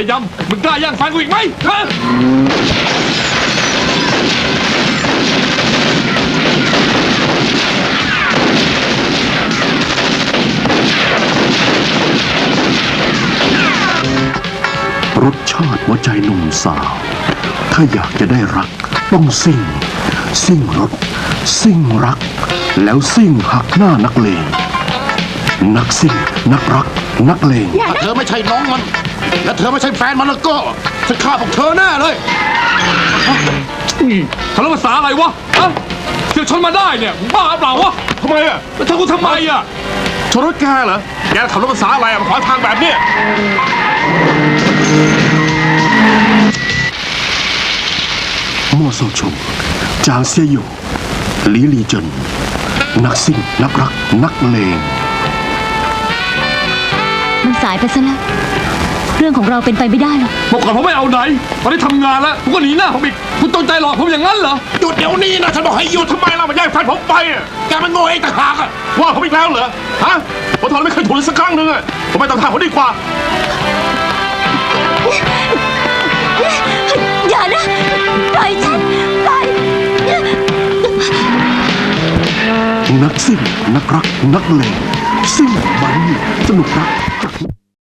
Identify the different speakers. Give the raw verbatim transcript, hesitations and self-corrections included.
Speaker 1: ยำมึงกล้าย่างแฟนกูอีกไหมฮะ
Speaker 2: รสชาติหัวใจหนุ่มสาวถ้าอยากจะได้รักต้องซิ่งซิ่งรถซิ่งรักแล้วซิ่งหักหน้านักเลงนักซิ่งนักรักนักเลง
Speaker 3: ถ้าเธอไม่ใช่น้องมันและเธอไม่ใช่แฟนมันแล้วก็จะฆ่าพวกเธอแน่เลย
Speaker 1: ทะเลาะภาษาอะไรวะฮะเสียชนมาได้เนี่ยบ้าเปล่าวะทำไมอ่ะแล้วทำกูทำไมอ่ะชนรถแกเหรอแกขับรถภาษาอะไรอ่ะมาขวางทางแบบเนี้ย
Speaker 2: มั่วโซชงจางเซียอยู่หลีลีเจินนักซิ่งนักรักนักเลง
Speaker 4: มันสายไปซะแล้วเรื่องของเราเป็นไปไม่ได้หรอก
Speaker 1: บอกก่อนผมไม่เอาไหนตอนนี้ทำงานแล้วผมก็หนีหน้าผมอีกคุณต้องใจหลอกผมอย่างนั้นเหรอ
Speaker 3: หยุดเดี๋ยวนี้นะฉันบอกให้หยุดทำไมล่ะมาแย่งแฟนผมไปอ่ะแกมันโง่เองต่างหากอ่ะว่าผมอีกแล้วเหรอฮะผมทนไม่เคยถูกเลยสักครั้งหนึ่งอ่ะผมไม่ต้องทำผมดีกว่า
Speaker 4: อย่านะปล่อยฉันปล่อย
Speaker 2: นักซิ่งนักรักนักเลงซิ่งมันสนุกรัก